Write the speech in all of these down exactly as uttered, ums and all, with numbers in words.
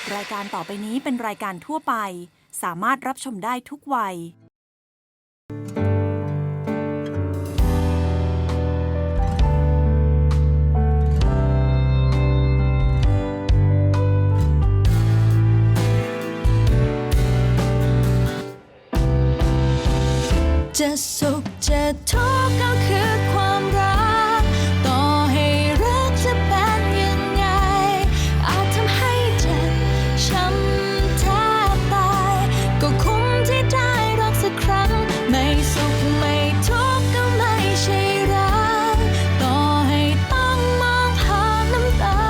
รายการต่อไปนี้เป็นรายการทั่วไปสามารถรับชมได้ทุกวัยจะสุขจะทุกข์ก็คือความรักต่อให้รักจะเป็นยังไงอาจทำให้เจ็บช้ำแทบตายก็คุ้มที่ได้รักสักครั้งไม่สุขไม่ทุกข์ก็ไม่ใช่รักต่อให้ต้องมองผ่านน้ำตา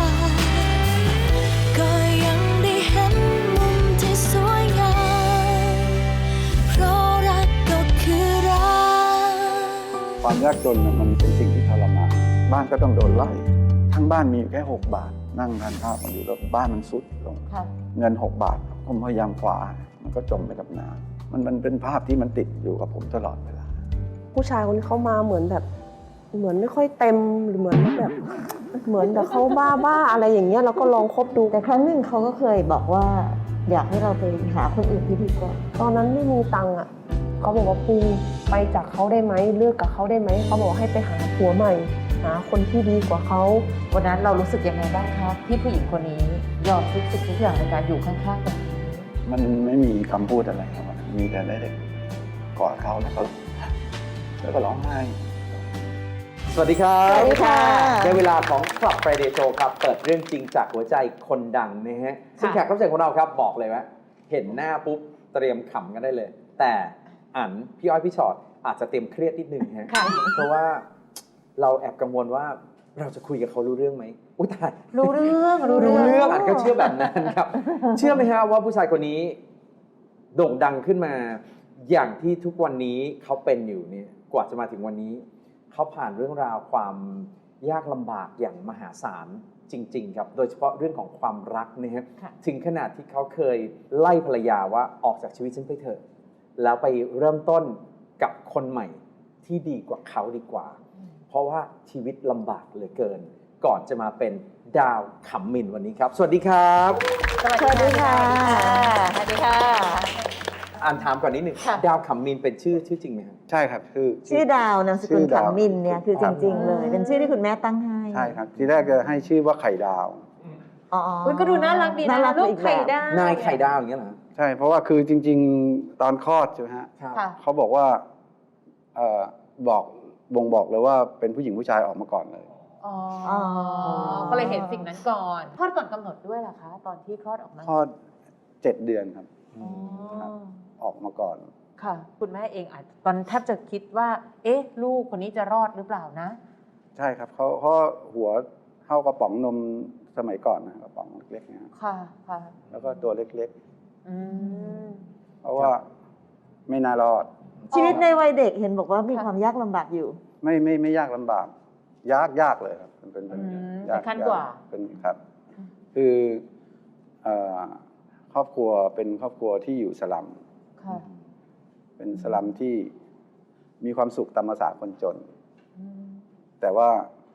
ก็ยังได้เห็นมุมที่สวยงามเพราะรักก็คือรักความยากจนมันเป็นสิ่งที่ทรมานบ้านก็ต้องโดนไล่ทั้งบ้านมีอยู่แค่หกบาทนั่งทานข้าวกันอยู่แล้วบ้านมันซุดลงเงินหกบาทผมพยายามคว้ามันก็จมไปกับน้ำมันมันเป็นภาพที่มันติดอยู่กับผมตลอดเวลาผู้ชายคนนี้เขามาเหมือนแบบเหมือนไม่ค่อยเต็มหรือเหมือนแบบเหมือนแบบเขาบ้าบ้าอะไรอย่างเงี้ยเราก็ลองคบดูแต่ครั้งหนึ่งเขาก็เคยบอกว่าอยากให้เราไปหาคนอื่นที่ดีกว่าตอนนั้นไม่มีตังค์อ่ะเขาบอกว่าปูไปจากเขาได้ไหมเลิกกับเขาได้ไหมเขาบอกให้ไปหาผัวใหม่หาคนที่ดีกว่าเขาวันนั้นเรารู้สึกยังไงบ้างครับที่ผู้หญิงคนนี้ยอมทุกสิ่งทุกอย่างในการอยู่ข้างๆแบบนี้มันไม่มีคำพูดอะไรครับมีแต่ได้แต่กอดเขาแล้วก็แล้วก็ร้องไห้สวัสดีครับสวัสดีค่ะในเวลาของ Club Friday Show ครับเปิดเรื่องจริงจากหัวใจคนดังนะฮะซึ่งแขกรับเชิญของเราครับบอกเลยว่าเห็นหน้าปุ๊บเตรียมขำกันได้เลยแต่อันพี่อ้อยพี่ชอตอาจจะเต็มเครียดนิดนึงฮะเพราะว่าเราแอบกังวลว่าเราจะคุยกับเขารู้เรื่องไหมอุ้ยตายรู้เรื่องรู้เรื่องอันก็เชื่อแบบนั้นครับเชื่อไหมฮะว่าผู้ชายคนนี้โด่งดังขึ้นมาอย่างที่ทุกวันนี้เขาเป็นอยู่เนี่ยกว่าจะมาถึงวันนี้เขาผ่านเรื่องราวความยากลำบากอย่างมหาศาลจริงๆครับโดยเฉพาะเรื่องของความรักนะฮะถึงขนาดที่เขาเคยไล่ภรรยาว่าออกจากชีวิตฉันไปเถอะแล้วไปเริ่มต้นกับคนใหม่ที่ดีกว่าเขาดีกว่าเพราะว่าชีวิตลำบากเหลือเกินก่อนจะมาเป็นดาวขำมินวันนี้ครับสวัสดีครับสวัสดีค่ะสวัสดีค่ะอ่านถามก่อนนิดหนึ่งดาวขำมินเป็นชื่อชื่อจริงไหมครับใช่ครับชื่อชื่อดาวนามสกุลขำมินเนี่ยคือจริงๆเลยเป็นชื่อที่คุณแม่ตั้งให้ใช่ครับทีแรกจะให้ชื่อว่าไข่ดาวอ๋อก็ดูน่ารักดีนะลูกไข่ดาวนายไข่ดาวอย่างเงี้ยเหรอใช่เพราะว่าคือจริงๆตอนคลอดใช่ไหมฮะเขาบอกว่าเอ่อบอกบ่งบอกเลยว่าเป็นผู้หญิงผู้ชายออกมาก่อนเลยอ๋อก็เลยเห็นสิ่งนั้นก่อนคลอดก่อนกำหนดด้วยเหรอคะตอนที่คลอดออกมาคลอดเจ็ดเดือนครับออกมาก่อนค่ะคุณแม่เองอาจตอนแทบจะคิดว่าเอ๊ะลูกคนนี้จะรอดหรือเปล่านะใช่ครับเขาเขาหัวเข้ากระป๋องนมสมัยก่อนนะกระป๋องเล็กๆนะครับค่ะค่ะแล้วก็ตัวเล็กๆอืมเพราะว่าไม่น่ารอดชีวิตในวัยเด็กเห็นบอกว่ามีความยากลำบากอยู่ไม่ไม่ไม่ยากลำบากยากยากเลยครับเป็นเป็นยากขั้นกว่าเป็นครับคือครอบครัวเป็นครอบครัวที่อยู่สลัมเป็นสลัมที่มีความสุขตามภาษาคนจนแต่ว่า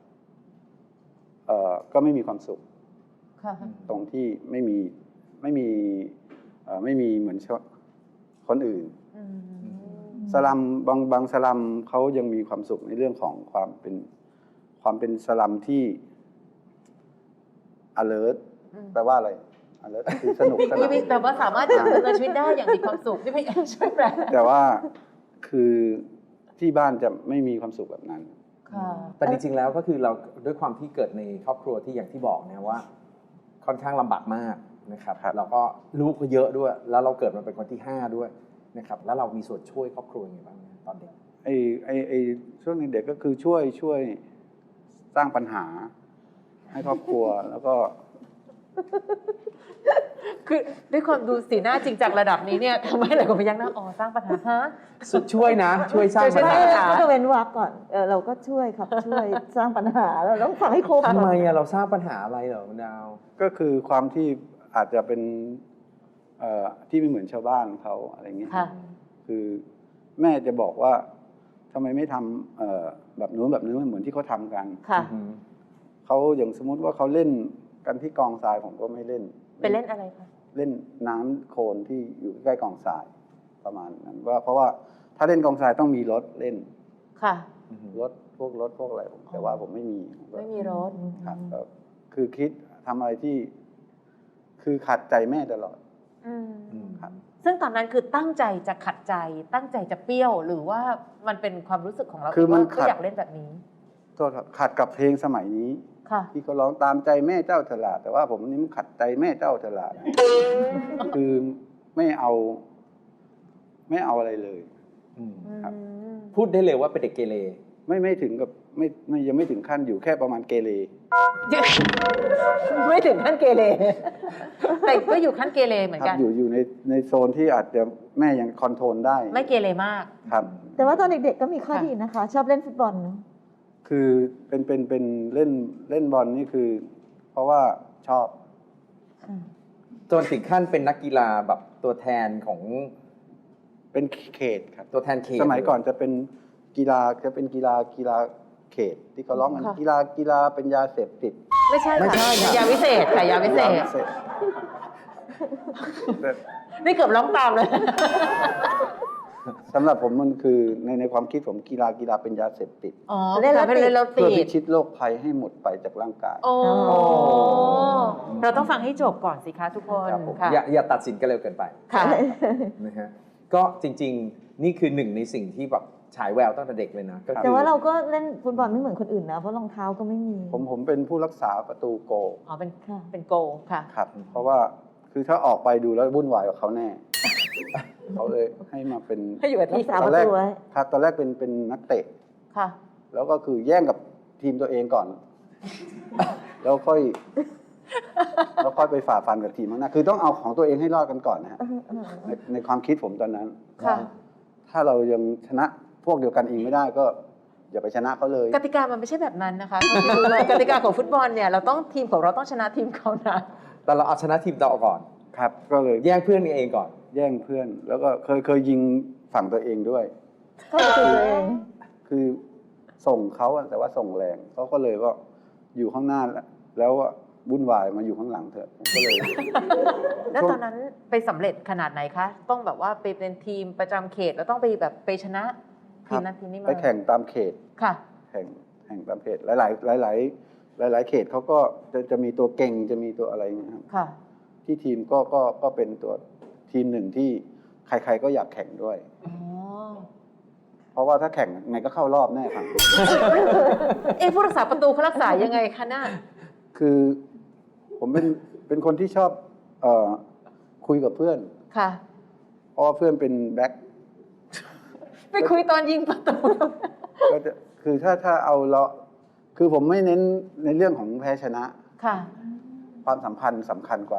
ก็ไม่มีความสุขตรงที่ไม่มีไม่มีไม่มีเหมือนคนอื่นสลัมบางบางสลัมเขายังมีความสุขในเรื่องของความเป็นความเป็นสลัมที่ alert แปลว่าอะไร alert คือสนุกสนานแต่ว่าสามารถดำเนินชีวิตได้อย่างมีความสุขที่ไม่ช่วยแปลแต่ว่าคือที่บ้านจะไม่มีความสุขแบบนั้นแต่จริงๆแล้วก็คือเราด้วยความที่เกิดในครอบครัวที่อย่างที่บอกนะว่าค่อนข้างลำบากมากนะครับแล้วก็ลูกก็เยอะด้วยแล้วเราเกิดมาเป็นคนที่ห้าด้วยนะครับแล้วเรามีส่วนช่วยครอบครัวยังไงบ้างตอนเด็กไอ้ไอ้ไอ้ช่วงเด็กก็คือช่วยช่วยสร้างปัญหาให้ครอบครัวแล้วก็คือด้วยความดูสีหน้าจริงจังระดับนี้เนี่ยทำให้หลายคนพยักหน้าอ๋อสร้างปัญหาฮะช่วยนะช่วยสร้างปัญหาก็เว้นวรรคก่อนเออเราก็ช่วยครับช่วยสร้างปัญหาเราต้องฟังให้ครบทำไมอะเราสร้างปัญหาอะไรเหรอดาวก็คือความที่อาจจะเป็นเอ่อที่ไม่เหมือนชาวบ้านเขาอะไรเงี้ยคือแม่จะบอกว่าทำไมไม่ทำเอ่อแบบนู้นแบบนี้เหมือนที่เขาทำกันเขาอย่างสมมุติว่าเขาเล่นกันที่กองทรายผมก็ไม่เล่นไปเล่นอะไรคะเล่นน้ำโคลนที่อยู่ใกล้กองทรายประมาณนั้นว่าเพราะว่าถ้าเล่นกองทรายต้องมีรถเล่นค่ะรถพวกรถพวกอะไรผมแต่ว่าผมไม่มีผมก็ไม่มีรถครับก็คือคิดทำอะไรที่ คือขัดใจแม่ตลอดอืมอืมครับซึ่งตอนนั้นคือตั้งใจจะขัดใจ ตั้งใจจะเปรี้ยว หรือว่ามันเป็นความรู้สึกของเราคือมันว่าขัก็ดอยากเล่นแบบนี้โทษครับขัดกับเพลงสมัยนี้ค่ะที่เขาร้องตามใจแม่เจ้าฉลาดแต่ว่าผมนี่มันขัดใจแม่เจ้าฉลาดคือไม่เอา ไม่เอาอะไรเลยอืมครับอืมพูดได้เลยว่าเป็นเด็กเกเรไม่ไม่ถึงกับไม่ไม่ยังไม่ถึงขั้นอยู่แค่ประมาณเกเรไม่ถึงขั้นเกเร แต่ก็อยู่ขั้นเกเรเหมือนคกัรับนอยู่อยู่ในในโซนที่อาจจะแม่ยังคอนโทรลได้ไม่เกเรมากครับแต่ว่าตอนเด็กๆก็มีข้อค่ะดีนะคะ ชอบเล่นฟุตบอลเนอะคือเป็นเป็นเป็นเล่นเล่นบอลนี่คือ เพราะว่าชอบค่ะจนถึงขั้นเป็นนักกีฬาแบบตัวแทนของเป็นเขตครับตัวแทนเขตสมัยก่อนจะเป็นกีฬาจะเป็นกีฬากีฬาเขต ที่เขาร้องกันค่ะกีฬากีฬาเป็นยาเสพติดไม่ใช่ไม่ค่ะใช่ค่ะยาวิเศษค่ะยาวิเศษยาเสพแต่นี่เกือบร้องตามเลยสำหรับผมมันคือในในความคิดผมกีฬากีฬาเป็นยาเสพติดอ๋อเล่นแล้วทำให้เล่นแล้วเพื่อติพิดชิตโรคภัยให้หมดไปจากร่างกายโอ้อ๋อเราต้องฟังให้จบก่อนสิคะทุกคนครับผมค่ะอย่าอย่าตัดสินกันเร็วเกินไปค่ะนะฮะก็จริงๆ นี่คือหนึ่งในสิ่งที่แบบฉายแววตั้งแต่เด็กเลยนะก็ครับคืแต่อว่าเราก็เล่นฟุตบอลไม่เหมือนคนอื่นนะ เพราะรองเท้าก็ไม่มีผมผมเป็นผู้รักษาประตูโกลอ๋อเป็นค่ะเป็นโกค่ะครับ เพราะว่าคือถ้าออกไปดูแล้ววุ่นวายกับเขาแน่ เขาเลยให้มาเป็นให้อยู่กับที่รักษาตอนแรกประตูไว้ครับตอนแรกเป็นเป็นนักเตะค่ะแล้วก็คือแย่งกับทีมตัวเองก่อน แล้วค่อย แล้วค่อยไปฝ่าฟันกับทีมข้างหน้าคือต้องเอาของตัวเองให้รอดกันก่อนนะฮะในในความคิดผมตอนนั้นค่ะถ้าเรายังชนะพวกเดียวกันเองไม่ได้ก็ อย่าไปชนะเขาเลยกติกามันไม่ใช่แบบนั้นนะคะเท่าที่รู้มากติกาของฟุตบอลเนี่ยเราต้องทีมของเราต้องชนะทีมเขานะแต่เราเอาชนะทีมเราก่อนครับ ก็เลยแย่งเพื่อนกันเองก่อนแย่งเพื่อน แล้วก็เคยเคยยิงฝั่งตัวเองด้วยเข้าประตูตัวเองคือส่งเขาอะแต่ว่าส่งแรงเขาก็เลยว่าอยู่ข้างหน้าแล้วแล้ววุ่นวายมาอยู่ข้างหลังเถอะผมก็เลยแล้วตอนนั้นไปสำเร็จขนาดไหนคะ ต้องแบบว่าไปเป็นทีมประจำเขตแล้วต้องไปแบบไปชนะทีมนั้นทีมนี้มาไปแข่งตามเขตค่ะแข่งแข่งตามเขตหลาย ๆ หลาย ๆ หลาย ๆ เขตเขาก็จะจะมีตัวเก่งจะมีตัวอะไรอย่างเงี้ยครับค่ะที่ทีมก็ก็ก็เป็นตัวทีมหนึ่งที่ใคร ๆ ก็อยากแข่งด้วยอ๋อเพราะว่าถ้าแข่งไงก็เข้ารอบแน่ครับเอ๊ะผู้รักษาประตูเขารักษายังไงคะน่าคือผมเป็นเป็นคนที่ชอบเอ่อคุยกับเพื่อนค่ะเพราะว่าเพื่อนเป็นแบ็คไปคุยตอนยิงประตูก็จะคือถ้าถ้าเอาเราคือผมไม่เน้นในเรื่องของแพ้ชนะค่ะความสัมพันธ์สำคัญกว่า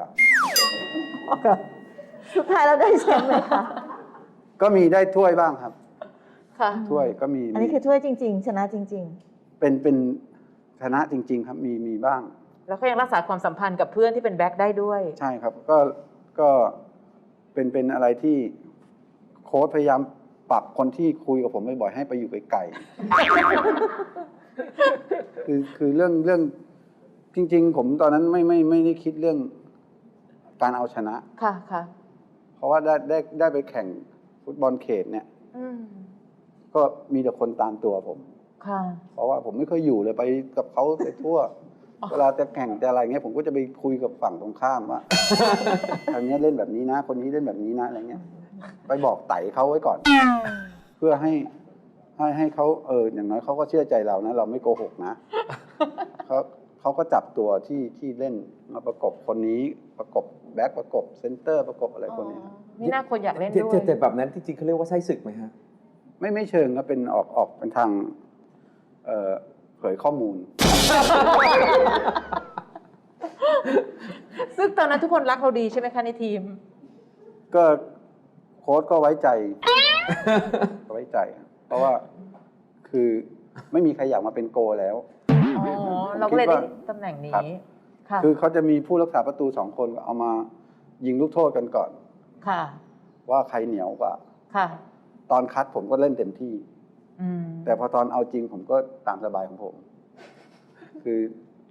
สุดท้ายเราได้แชมป์ไหมคะก็มีได้ถ้วยบ้างครับค่ะถ้วยก็มีอันนี้คือถ้วยจริง ๆ ชนะจริงเป็นเป็นชนะจริง ๆ ครับมีมีบ้างแล้วก็ยังรักษาความสัมพันธ์กับเพื่อนที่เป็นแบ็คได้ด้วยใช่ครับก็ก็เป็นเป็นอะไรที่โค้ชพยายามปรับคนที่คุยกับผมบ่อยๆให้ไปอยู่ไกลๆ คือคือเรื่องเรื่องจริง ๆ ผมตอนนั้นไม่ไม่ไม่ได้คิดเรื่องการเอาชนะค่ะค่ะเพราะว่าได้ได้ได้ไปแข่งฟุตบอลเขตเนี่ยอืมก็มีแต่คนตามตัวผมค่ะเพราะว่าผมไม่เคยอยู่เลยไปกับเขาไปทั่ว เวลาจะแข่งจะอะไรเงี้ยผมก็จะไปคุยกับฝั่งตรงข้ามว่า ทางนี้เล่นแบบนี้นะ คนนี้เล่นแบบนี้นะอะไรเงี้ย ไปบอกไต่เขาไว้ก่อน เพื่อให้ให้ให้เขาเอออย่างน้อยเขาก็เชื่อใจเรานะ เราไม่โกหกนะเขาเขาก็จับตัวที่ที่เล่นมาประกบคนนี้ประกบแบ็คประกบเซนเตอร์ประกบอะไรพวกเนี้ยนี่น่าคนอยากเล่นแต่ด้วยแต่แต่แบบนั้นจริงๆเขาเรียกว่าไส้ศึกไหมฮะไม่ไม่เชิงก็เป็นออกออกเป็นทางเอ่อเผยข้อมูลซึ่งตอนนั้นทุกคนรักเราดีใช่ไหมคะในทีมก็โค้ชก็ไว้ใจ ก็ไว้ใจครับเพราะว่าคือไม่มีใครอยากมาเป็นโกแล้วอ๋อ เราก็เลยได้ตำแหน่งครับนี้ ค่ะคือเขาจะมีผู้รักษาประตูสองคนเอามายิงลูกโทษกันก่อนค่ะว่าใครเหนียวกว่าค่ะตอนคัดผมก็เล่นเต็มที่อืมแต่พอตอนเอาจริงผมก็ตามสบายของผม คือ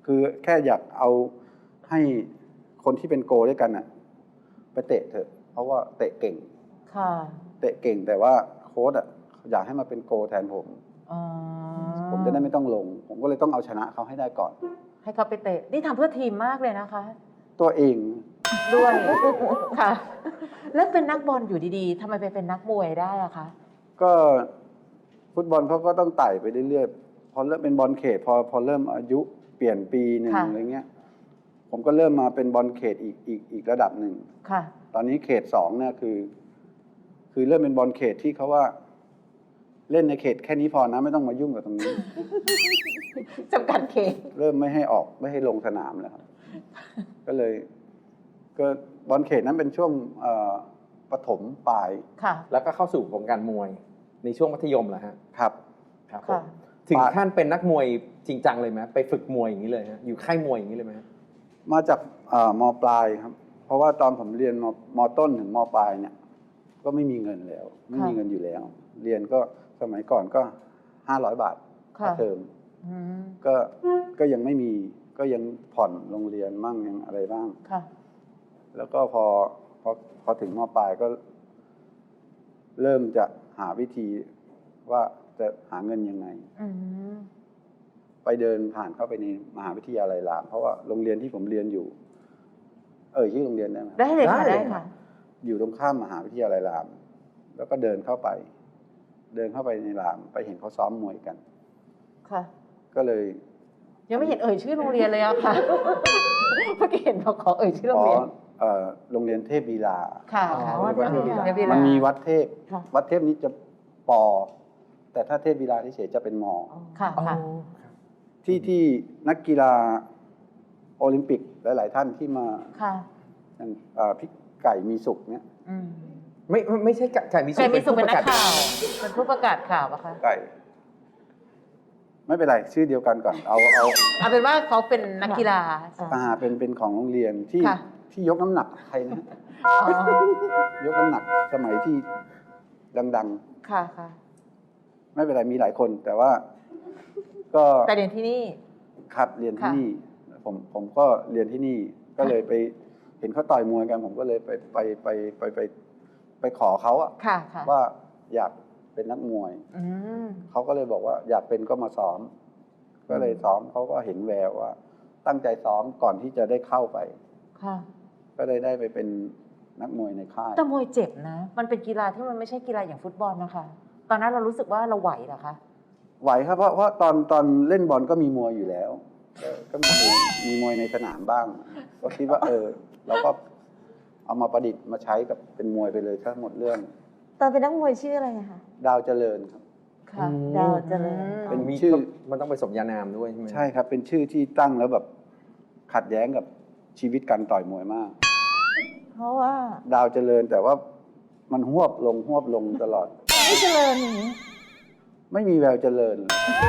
คือแค่อยากเอาให้คนที่เป็นโกด้วยกันอ่ะไปเตะเถอะ เพราะว่าเตะเก่งค่ะเตะเก่งแต่ว่าโค้ชอ่ะอยากให้มาเป็นโกแทนผมอ๋อผมจะได้ไม่ต้องลง ผมก็เลยต้องเอาชนะเขาให้ได้ก่อนให้เขาไปเตะ นี่ทำเพื่อทีมมากเลยนะคะตัวเองด้วย ค่ะ แล้วเป็นนักบอลอยู่ดีๆทำไมไปเป็นนักมวยได้อะคะก็ฟุตบอลเขาก็ต้องไต่ไปเรื่อยๆ พอเริ่มเป็นบอลเขต พอพอเริ่มอายุเปลี่ยนปีหนึ่งค่ะอะไรเงี้ย ผมก็เริ่มมาเป็นบอลเขตอีกอีกอีกระดับหนึ่งค่ะตอนนี้เขตสองเนี่ยคือ คือเริ่มเป็นบอลเขตที่เขาว่า เล่นในเขตแค่นี้พอนะไม่ต้องมายุ่งกับตรงนี้จำกัดเขตเริ่มไม่ให้ออกไม่ให้ลงสนามแล้วครับ ก็เลย ก็บอลเขตนั้นเป็นช่วงเอ่อประถมปลายค่ะแล้วก็เข้าสู่วงการมวยในช่วงมัธยมเหรอฮะครับครับผค่ะมถึงขั้นเป็นนักมวยจริงจังเลยไหมไปฝึกมวยอย่างนี้เลยฮะอยู่ค่ายมวยอย่างนี้เลยไหมฮะมาจากเอ่อมปลายครับ เพราะว่าตอนผมเรียนมมต้นถึงมปลายเนี่ย ก็ไม่มีเงินแล้ว ไม่มีเงินอยู่แล้ว เรียนก็สมัยก่อนก็ห้าร้อยบาทค่าค่ะเทอมอืมก็ก็ยังไม่มีก็ยังผ่อนโรงเรียนมั่งยังอะไรบ้างค่ะแล้วก็พอพอพอถึงมปลายก็ เริ่มจะหาวิธีว่าจะหาเงินยังไงอืมไปเดินผ่านเข้าไปในมหาวิทยาลัยราม เพราะว่าโรงเรียนที่ผมเรียนอยู่ เอ่ยชื่อโรงเรียนได้ไหมได้เลยค่ะได้ได้ค่ะอยู่ตรงข้ามมหาวิทยาลัยราม แล้วก็เดินเข้าไป เดินเข้าไปในราม ไปเห็นเขาซ้อมมวยกันค่ะก็เลยยังไม่เห็นเอ่ยชื่อโรงเรียนเลยอะค่ะ เมื่อกี้เห็นเขาขอเอ่ยชื่อโรของเรียนเอ่อโรงเรียนเทพบีลาค่ะอ๋อค่ะวัดเทพบีลาเทพบีลามันมีวัดเทพค่ะวัดเทพนี้จะปอ แต่ถ้าเทพบีลาเฉยๆจะเป็นมอค่ะอ๋อค่ะที่ที่นักกีฬาโอลิมปิกหลายๆท่านที่มาค่ะอย่างเอ่อพี่ไก่มีสุขเนี่ยอืมไม่ไม่ไม่ใช่ไก่ไก่มีสุใครขมีสุขเป็นนักผู้ประข่าว เป็นผู้ประกาศข่าวอะคะไก่ ไม่เป็นไรชื่อเดียวกันก่อน เอาเอาเอาเป็นว่าเขาเป็นนักกีฬาอาเป็นเป็นของโรงเรียนที่ค่ะที่ยกน้ำหนักใครนะอ๋อยกน้ำหนักสมัยที่ดังค่ะค่ะๆ ไม่เป็นไรมีหลายคน แต่ว่าก็แต่เรียนที่นี่ครับเรียนที่ค่ะนี่ ผมผมก็เรียนที่นี่ ก็เลยไปเห็นเขาต่อยมวยกัน ผมก็เลยไปไปไปไปไปไปขอเขาอะค่ะค่ะว่าอยากเป็นนักมวยอืมเขาก็เลยบอกว่าอยากเป็นก็มาซ้อม ก็เลยซ้อมเขาก็เห็นแววว่า ตั้งใจซ้อมก่อนที่จะได้เข้าไปค่ะก็เลยได้ไปเป็นนักมวยในค่ายแต่มวยเจ็บนะ มันเป็นกีฬาที่มันไม่ใช่กีฬาอย่างฟุตบอลนะคะ ตอนนั้นเรารู้สึกว่าเราไหวเหรอคะไหวครับเพราะเพราะตอนตอนเล่นบอลก็มีมวยอยู่แล้ว ก็ก็มีมวยมีมวยในสนามบ้าง ก็คิดว่า เออเราก็เอามาประดิษฐ์มาใช้กับเป็นมวยไปเลยทั้งหมดเรื่องตอนเป็นนักมวยชื่ออะไรอะคะดาวเจริญครับค่ะดาวเจริญเป็นมีชื่อมันต้องไปสมญานามด้วยใช่ไหมใช่ครับ เป็นชื่อที่ตั้งแล้วแบบขัดแย้งกับชีวิตการต่อยมวยมากเพราะว่าดาวเจริญแต่ว่ามันหวบลงหวบลงตลอดไม่เจริญอย่างนี้ไม่มีแววเจริญ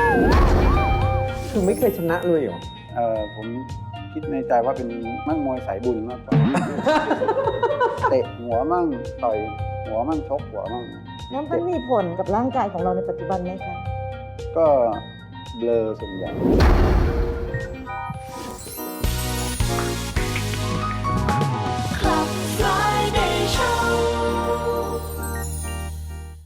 คือไม่เคยชนะเลยเหรอเออผมคิดในใจว่าเป็นนักมวยสายบุญมากกว่า เตะหัวมั่งต่อยหัวมั่งชกหัวมั่งแล้วมันมีผลกับร่างกายของเราในปัจจุบันไหมคะก็เบลอส่วนใหญ่